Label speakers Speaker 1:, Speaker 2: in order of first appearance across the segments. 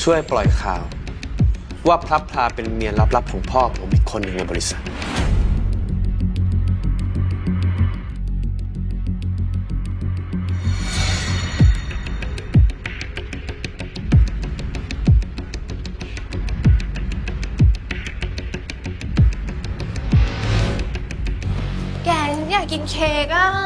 Speaker 1: ช่วยปล่อยข่าวว่าพลับพลาเป็นเมียลับๆของพ่อผมอีกคนหนึ่งในบริษัท
Speaker 2: แกฉันอยากกินเค้กอ่ะ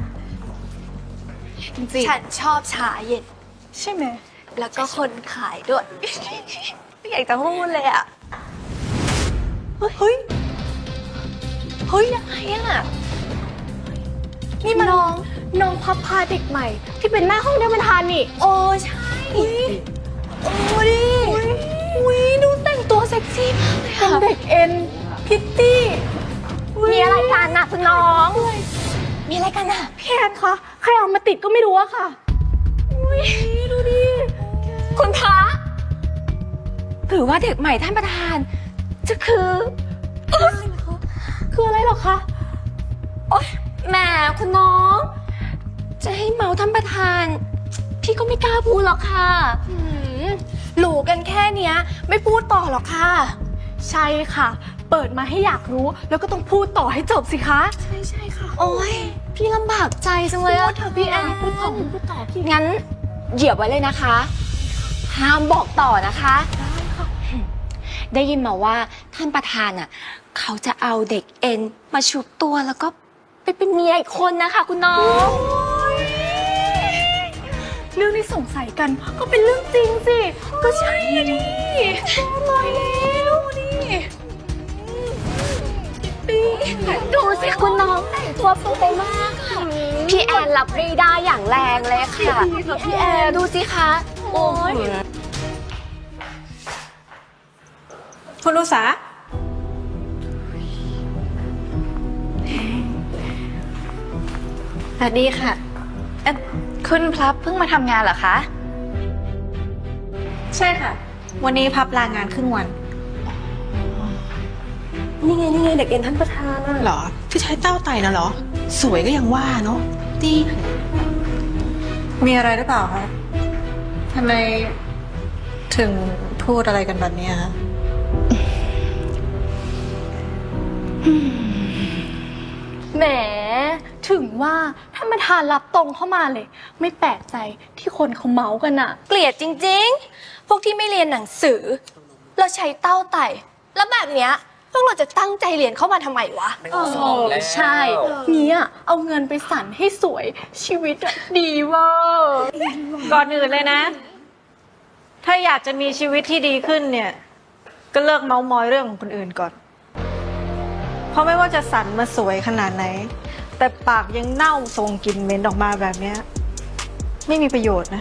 Speaker 3: จริง
Speaker 2: ฉันชอบชาเย็น
Speaker 3: ใช่ไหม
Speaker 2: แล้วก็คนขายด้วย ไม่อยากจะพูดเลยอ่ะ
Speaker 3: เฮ้ย
Speaker 2: เฮ้ยยังไงอ่ะ
Speaker 3: นี่มันน้องพับพาเด็กใหม่ ที่เป็นหน้าห้องท่านประธานนี่
Speaker 2: โอ้ใช่ โอ้ดิอุ้ยดูแต่งตัวเซ็กซี่มากเลย
Speaker 3: เป็น
Speaker 2: อะ
Speaker 3: เด็กเอ็นพิตตี้
Speaker 2: มีอะไรกันน่ะคุณน้อง มีอะไรกันน่ะ
Speaker 3: พี่แอนคะใครเอามาติดก็ไม่รู้อะค่ะอุ้ยดูดิ
Speaker 2: คุณพระหรือว่าเด็กใหม่ท่านประธาน จะคือ
Speaker 3: คืออะไรหรอคะ
Speaker 2: โอ๊ยแหมคุณน้อง จะให้เมาท่านประธาน พี่ก็ไม่กล้าพูดหรอกค่ะหลูกันแค่เนี้ย ไม่พูดต่อหรอกค่ะ
Speaker 3: ใช่ค่ะ เปิดมาให้อยากรู้ แล้วก็ต้องพูดต่อให้จบสิคะ
Speaker 2: ใช่ค่ะ โอ๊ย พี่ลำบากใจจังเลย
Speaker 3: พู
Speaker 2: อะ
Speaker 3: ดเถอะพี่แอนพูดต่อพี่
Speaker 2: งั้นเหยียบไว้เลยนะคะ ห้ามบอกต่อนะคะ ได้ยินมาว่าท่านประธานอ่ะ เขาจะเอาเด็กเอ็นมาชุบตัวแล้วก็ไปเป็นเมียอีกคนนะคะคุณน้อง
Speaker 3: เรื่องที่สงสัยกันก็เป็นเรื่องจริงสิ ก็ใช่อะดิลอยแล้วดิ
Speaker 2: ดูสิคุณน้องแต่งตัวเป๊ะมากค่ะ พี่แอนรับไม่ได้อย่างแรงเลยค่ะ พี่แอนดูสิคะ โอ้ย
Speaker 4: คุณอุษา
Speaker 5: สวัสดีค่ะคุณพลับเพิ่งมาทำงานเหรอคะ
Speaker 4: ใช่ค่ะ วันนี้พับลางานครึ่งวัน
Speaker 3: นี่ไงเด็กเอ็นท่านประธานอะ
Speaker 6: เหรอที่ใช้เต้าไต่น่ะเหรอ สวยก็ยังว่าเนาะดี
Speaker 4: มีอะไรหรือเปล่าคะทำไมถึงพูดอะไรกันแบบนี้คะ
Speaker 3: แหมถึงว่าท่านประธานรับตรงเข้ามาเลย ไม่แปลกใจที่คนเขาเมาส์กันอะ
Speaker 2: เกลียดจริงๆ พวกที่ไม่เรียนหนังสือ แล้วใช้เต้าไต่ แล้วแบบเนี้ยพวกเราจะตั้งใจเรียนเข้ามาทำไมวะ
Speaker 3: ใช่เนี่ยเอาเงินไปสั่นให้สวยชีวิตอะดีเว่า
Speaker 4: ก่อนอื่นเลยนะ ถ้าอยากจะมีชีวิตที่ดีขึ้นเนี่ย ก็เลิกเมามอยเรื่องของคนอื่นก่อน เพราะไม่ว่าจะสันมาสวยขนาดไหน แต่ปากยังเน่าทรงกลิ่นเหม็นออกมาแบบเนี้ยไม่มีประโยชน์นะ